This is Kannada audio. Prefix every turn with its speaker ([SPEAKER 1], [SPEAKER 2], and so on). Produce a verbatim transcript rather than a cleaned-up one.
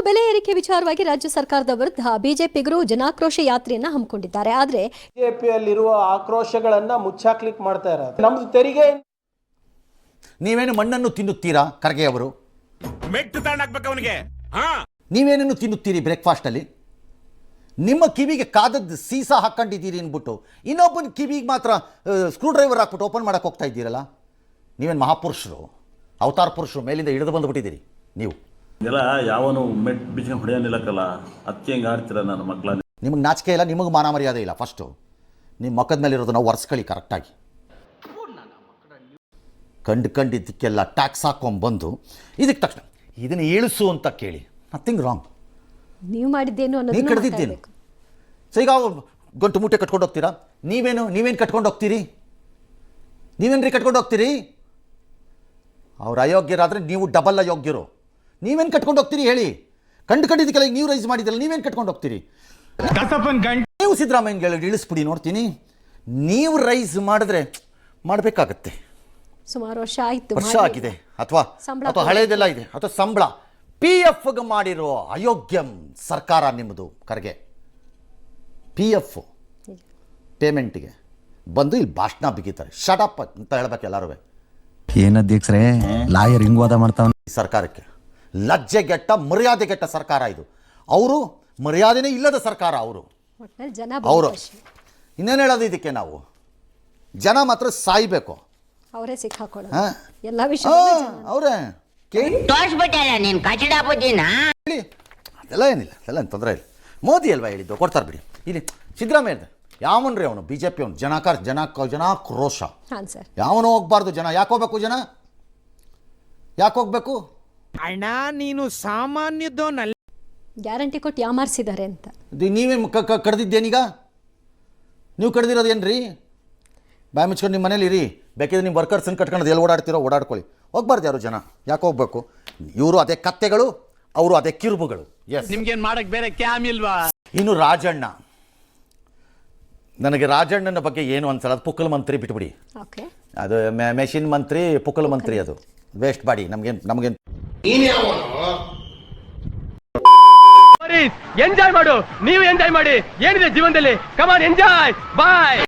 [SPEAKER 1] ಬೆಲೆ ಏರಿಕೆ ವಿಚಾರವಾಗಿ ರಾಜ್ಯ ಸರ್ಕಾರದ ವಿರುದ್ಧ ಬಿಜೆಪಿಗರು ಜನಾಕ್ರೋಶ ಯಾತ್ರೆಯನ್ನ ಹಮ್ಮಿಕೊಂಡಿದ್ದಾರೆ. ಆದ್ರೆ
[SPEAKER 2] ಬಿಜೆಪಿಯಲ್ಲಿರುವ ಆಕ್ರೋಶಗಳನ್ನ ಮುಚ್ಚಾಕ್ಲಿಕ್ ಮಾಡ್ತಾ ಇರೋದು ನಮ್ದು ತೆರಿಗೆ.
[SPEAKER 3] ನೀವೇನು ಮಣ್ಣನ್ನು ತಿನ್ನುತ್ತೀರಾ ಖರ್ಗೆ ಅವರು?
[SPEAKER 4] ಮೆಟ್ಟು ತಗೊಂಡಾಕ್ಬೇಕು ಅವನಿಗೆ.
[SPEAKER 3] ನೀವೇನೇನು ತಿನ್ನುತ್ತೀರಿ ಬ್ರೇಕ್ಫಾಸ್ಟಲ್ಲಿ? ನಿಮ್ಮ ಕಿವಿಗೆ ಕಾದದ್ದು ಸೀಸಾ ಹಾಕ್ಕೊಂಡಿದ್ದೀರಿ ಅಂದ್ಬಿಟ್ಟು ಇನ್ನೊಬ್ಬನ ಕಿವಿಗೆ ಮಾತ್ರ ಸ್ಕ್ರೂ ಡ್ರೈವರ್ ಹಾಕ್ಬಿಟ್ಟು ಓಪನ್ ಮಾಡೋಕ್ಕೆ ಹೋಗ್ತಾ ಇದ್ದೀರಲ್ಲ. ನೀವೇನು ಮಹಾಪುರುಷರು, ಅವತಾರ ಪುರುಷರು, ಮೇಲಿಂದ ಹಿಡಿದು ಬಂದುಬಿಟ್ಟಿದ್ದೀರಿ ನೀವು.
[SPEAKER 5] ಎಲ್ಲ ಯಾವನು ಮೆಟ್ ಬಿಚ್ಕೊಂಡು ಹೊಡೆಯೋನಿಲ್ಲಕ್ಕಲ್ಲ, ಅದಕ್ಕೆ ಹೆಂಗೆ ಆಡ್ತೀರ ನನ್ನ ಮಕ್ಕಳ?
[SPEAKER 3] ನಿಮಗೆ ನಾಚಿಕೆ ಇಲ್ಲ, ನಿಮಗೆ ಮಾನ ಮರ್ಯಾದೆ ಇಲ್ಲ. ಫಸ್ಟು ನಿಮ್ಮ ಮಕ್ಕದ ಮೇಲೆ ಇರೋದನ್ನ ಒರೆಸ್ಕೊಳ್ಳಿ ಕರೆಕ್ಟಾಗಿ. ಕಂಡು ಕಂಡಿದ್ದಕ್ಕೆಲ್ಲ ಟ್ಯಾಕ್ಸ್ ಹಾಕ್ಕೊಂಬಂದು ಇದಕ್ಕೆ ತಕ್ಷಣ ಇದನ್ನು ಇಳಿಸು ಅಂತ ಕೇಳಿ, ನಥಿಂಗ್ ರಾಂಗ್.
[SPEAKER 1] ನೀವು ಮಾಡಿದ್ದೇನು
[SPEAKER 3] ನೀವು ಕಡ್ದಿದ್ದೇನು? ಸೊ ಈಗ ಗಂಟು ಮೂಟೆ ಕಟ್ಕೊಂಡು ಹೋಗ್ತೀರಾ? ನೀವೇನು ನೀವೇನು ಕಟ್ಕೊಂಡು ಹೋಗ್ತೀರಿ? ನೀವೇನ್ರಿ ಕಟ್ಕೊಂಡು ಹೋಗ್ತೀರಿ? ಅವ್ರು ಅಯೋಗ್ಯರಾದರೆ ನೀವು ಡಬಲ್ ಅಯೋಗ್ಯರು. ನೀವೇನು ಕಟ್ಕೊಂಡು ಹೋಗ್ತೀರಿ ಹೇಳಿ? ಕಂಡು ಕಂಡಿದ್ದಕ್ಕೆಲ್ಲ ನೀವು ರೈಸ್ ಮಾಡಿದ್ರಲ್ಲ, ನೀವೇನು ಕಟ್ಕೊಂಡು ಹೋಗ್ತೀರಿ? ನೀವು ಸಿದ್ದರಾಮಯ್ಯಗೆ ಇಳಿಸ್ಬಿಡಿ ನೋಡ್ತೀನಿ. ನೀವು ರೈಸ್ ಮಾಡಿದ್ರೆ ಮಾಡಬೇಕಾಗತ್ತೆ.
[SPEAKER 1] ಸುಮಾರು ವರ್ಷ ಆಯಿತು,
[SPEAKER 3] ವರ್ಷ ಆಗಿದೆ, ಅಥವಾ ಅಥವಾ ಹಳೇದೆಲ್ಲ ಇದೆ, ಅಥವಾ ಸಂಬಳ ಪಿ ಎಫ್ಗೆ ಮಾಡಿರೋ ಅಯೋಗ್ಯ ಸರ್ಕಾರ ನಿಮ್ಮದು ಖರ್ಗೆ. ಪಿ ಎಫ್ ಪೇಮೆಂಟಿಗೆ ಬಂದು ಇಲ್ಲಿ ಭಾಷಣ ಬಿಗಿತಾರೆ. ಶಟಪ್ ಅಂತ ಹೇಳ್ಬೇಕು ಎಲ್ಲರೂ.
[SPEAKER 6] ಏನಧ್ಯಕ್ಷರೇ ಲಾಯರ್ ಹಿಂಗ್ ವಾದ ಮಾಡ್ತಾವ?
[SPEAKER 3] ಈ ಸರ್ಕಾರಕ್ಕೆ ಲಜ್ಜೆಗೆಟ್ಟ ಮರ್ಯಾದೆಗೆಟ್ಟ ಸರ್ಕಾರ ಇದು. ಅವರು ಮರ್ಯಾದೆನೇ ಇಲ್ಲದ ಸರ್ಕಾರ. ಅವರು ಅವರು ಇನ್ನೇನು ಹೇಳೋದು ಇದಕ್ಕೆ? ನಾವು ಜನ ಮಾತ್ರ ಸಾಯ್ಬೇಕು.
[SPEAKER 1] ಅವರೇ ಸಿಕ್ಕಾಕೊಳ್ಳೋದು ಎಲ್ಲ ವಿಷಯ.
[SPEAKER 3] ಅವರೇ ಕೇಳಿ
[SPEAKER 7] ಹೇಳಿ,
[SPEAKER 3] ಅದೆಲ್ಲ ಏನಿಲ್ಲ, ಅದೆಲ್ಲ ಏನು ತೊಂದರೆ ಇಲ್ಲ. ಮೋದಿ ಅಲ್ವಾ ಹೇಳಿದ್ದು, ಕೊಡ್ತಾರೆ ಬಿಡಿ. ಇಲ್ಲಿ ಸಿದ್ದರಾಮಯ್ಯ ಯಾವನ್ರಿ ಅವನು? ಬಿ ಜೆ ಪಿ ಅವನು ಜನಕಾರ ಜನ ಜನಾಕ್ರೋಶ. ಯಾವನು ಹೋಗ್ಬಾರ್ದು. ಜನ ಯಾಕೆ ಹೋಗ್ಬೇಕು? ಜನ ಯಾಕೆ ಹೋಗ್ಬೇಕು?
[SPEAKER 7] ಅಣ್ಣ ನೀನು ಸಾಮಾನ್ಯದೋನಲ್ಲ.
[SPEAKER 1] ಗ್ಯಾರಂಟಿ ಕೊಟ್ಟು ಯಾಮಾರಿಸಿದ್ದಾರೆ ಅಂತ
[SPEAKER 3] ನೀವೇ ಕಡ್ದಿದ್ದೇನೀಗ? ನೀವು ಕಡ್ದಿರೋದೇನ್ರಿ? ಬಾಯಿ ಮುಚ್ಕೊಂಡು ನಿಮ್ಮ ಮನೇಲಿ ಇರಿ. ಬೇಕಿದ್ರೆ ನಿಮ್ಮ ವರ್ಕರ್ಸನ್ನು ಕಟ್ಕೊಂಡು ಎಲ್ಲಿ ಓಡಾಡ್ತಿರೋ ಓಡಾಡ್ಕೊಳ್ಳಿ. ಹೋಗ್ಬಾರ್ದು ಯಾರು ಜನ. ಯಾಕೆ ಹೋಗ್ಬೇಕು? ಇವರು ಅದೇ ಕತ್ತೆಗಳು, ಅವರು ಅದೇ ಕಿರುಬುಗಳು. ಎಸ್,
[SPEAKER 4] ನಿಮ್ಗೇನ್ ಮಾಡಕ್ ಬೇರೆ ಕ್ಯಾಮ್ ಇಲ್ವಾ?
[SPEAKER 3] ಇನ್ನು ರಾಜಣ್ಣ, ನನಗೆ ರಾಜಣ್ಣನ ಬಗ್ಗೆ ಏನು ಅನ್ಸಲ್ಲ. ಅದು ಪುಕ್ಕಲ್ ಮಂತ್ರಿ ಬಿಟ್ಬಿಡಿ. ಅದು ಮೆಷಿನ್ ಮಂತ್ರಿ, ಪುಕ್ಕಲ್ ಮಂತ್ರಿ, ಅದು ವೇಸ್ಟ್ ಬಾಡಿ. ನಮ್ಗೇನು ನಮಗೇನು
[SPEAKER 8] ಎಂಜಾಯ್ ಮಾಡು, ನೀವು ಎಂಜಾಯ್ ಮಾಡಿ. ಏನಿದೆ ಜೀವನದಲ್ಲಿ? Come on enjoy. ಬಾಯ್.